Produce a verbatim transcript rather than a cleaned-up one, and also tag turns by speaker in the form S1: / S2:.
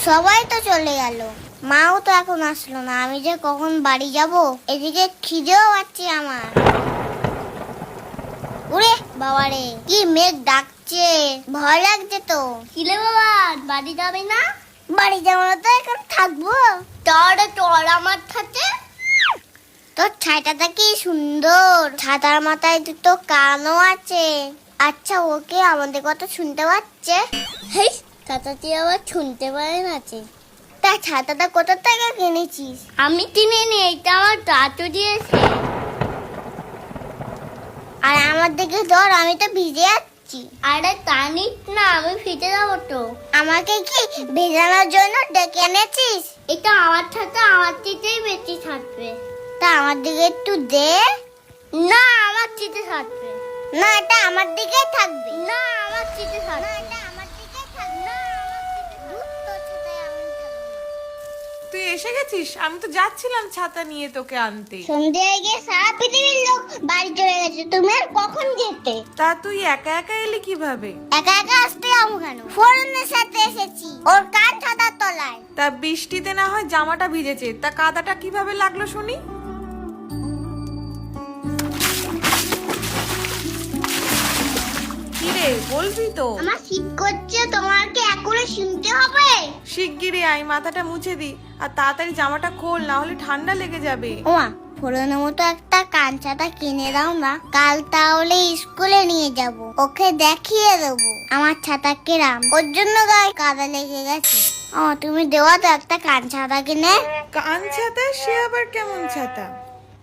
S1: সবাই তো চলে গেল, মাও তো এখন আসলো না। আমি যে কখন বাড়ি যাব, এদিকে খিদেও পাচ্ছে আমার। ওরে বাবারে, কি মেঘ ডাকছে, ভয় লাগছে তো। কিলে বাবা, বাড়ি যাবে না? বাড়ি যাবো না তো এখন থাকবো। তোর তোর আমার সাথে। তোর ছাইটাটা কি সুন্দর, ছাতার মাথায় দুটো কানও আছে। আচ্ছা, ওকে আমাদের কথা শুনতে পাচ্ছে? হেই, ছাতাটি আবার শুনতে পারে না। তা ছাতাটা কোথা থেকে কিনেছিস? আমি কিনিনি, এটা আমার দাদু দিয়েছে। আর আমার দিকে ধর, আমি তো ভিজে যাচ্ছি। আরে টানিস না, আমি ভিজে যাবো তো। আমাকে কি ভেজানোর জন্য ডেকে এনেছিস? এটা আমার ছাতা, আমার চিতেই বেশি থাকবে। তা আমার দিকে একটু দে। না, আমার চিতে থাকবে না, এটা আমার দিকে থাকবে। না, আমার চিতে থাকবে। না, এটা আমার দিকে থাকবে। না, আমার চিতে তোর ছাতায় আমি থাকবো।
S2: তুই এসে গেছিস? আমি তো যাচ্ছিলাম ছাতা নিয়ে তোকে আনতে।
S1: সন্ধ্যে হয়ে গিয়ে সারা পৃথিবীর লোক বাড়ি চলে গেছে, তুমি আর কখন যেতে?
S2: তা তুই একা একা এলি কিভাবে?
S1: একা একা আসতে যাবো কেন? ফোরনের সাথে এসেছি, ওর কান ছাতার তলায়।
S2: তা বৃষ্টিতে না হয় জামাটা ভিজেছে, তা কাদাটা কিভাবে লাগলো শুনি? কিরে বলবি তো?
S1: আমার শীত করছে, তোমার কি এখনো শুনতে হবে?
S2: শিগগিরই আয়, মাথাটা মুছে দি, আর তাড়াতাড়ি জামাটা খোল, না হলে ঠান্ডা লেগে যাবে।
S1: ওমা, ফোরনের মতো একটা কান ছাতা কিনে দাও না, কাল তাহলে স্কুলে নিয়ে যাব, ওকে দেখিয়ে দেবো আমার ছাতা কেরাম। ওর জন্য গায়ে কাদা লেগে গেছে। ও, তুমি দেওয়া তো একটা কান ছাতা কিনে।
S2: কান ছাতা? সে আবার কেমন ছাতা?